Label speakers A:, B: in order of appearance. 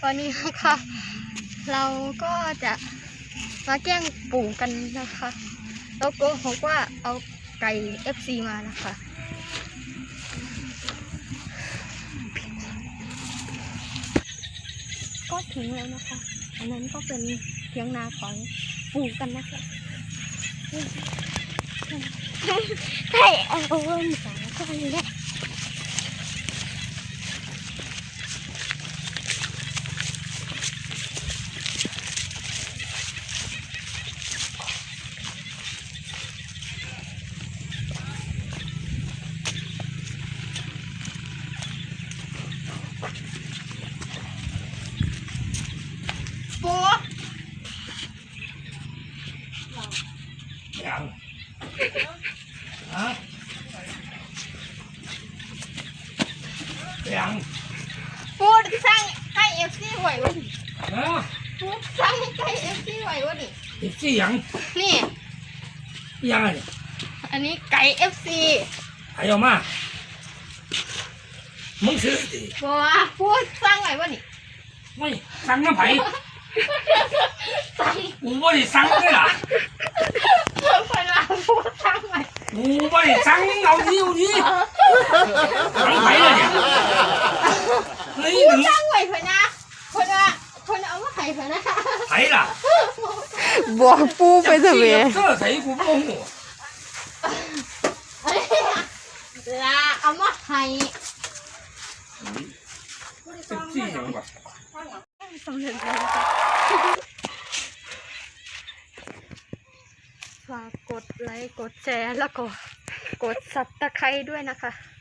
A: วันนี้นะคะเราก็จะมาแกล้งปู่กันนะคะแล้วก็บอกว่าเอาไก่ FC มานะคะก็ถึงแล้วนะคะอันนั้นก็เป็นเถียงนาของปู่กันนะคะใช่เอาเงินสองคนเลยปู่
B: ยังฮะยัง
A: ปู่สั่งให้ FC ไหววะนี่
B: ฮะ
A: ปู่สั่งให้ FC ไหววะนี่
B: อีกสี่ยัง
A: นี่
B: ยังไง
A: อันนี้ไก่ FC
B: ไอ้ออกมามึงซื้อดิ
A: บอกว่าพูดสั่งไงวะนี่
B: ไม่สั่งน้ำไผ่
A: สั่ง
B: กูไม่ได้สั่งเลยล่ะ
A: เวลาพูดสั่งไง
B: กูไม่ได้สั่งเอาดิสั่งไผ่เลยเนี่ยเฮ้ย
A: พู
B: ห
A: ด
B: นึ่ง
A: สั่งไงเพื่อนนะคนเอามาไข่เพื่อนนะ
B: ไผ่ล่ะ
C: บอกปูไปเถอะเว้ย
B: เสื้อใส่กูโมโห
A: ลาเอามาไข่
B: เป็นสี่ยังวะ
A: สำเร็จแล้วฝากกดไลค์กดแชร์แล้วก็กดซับตะไคร้ด้วยนะคะ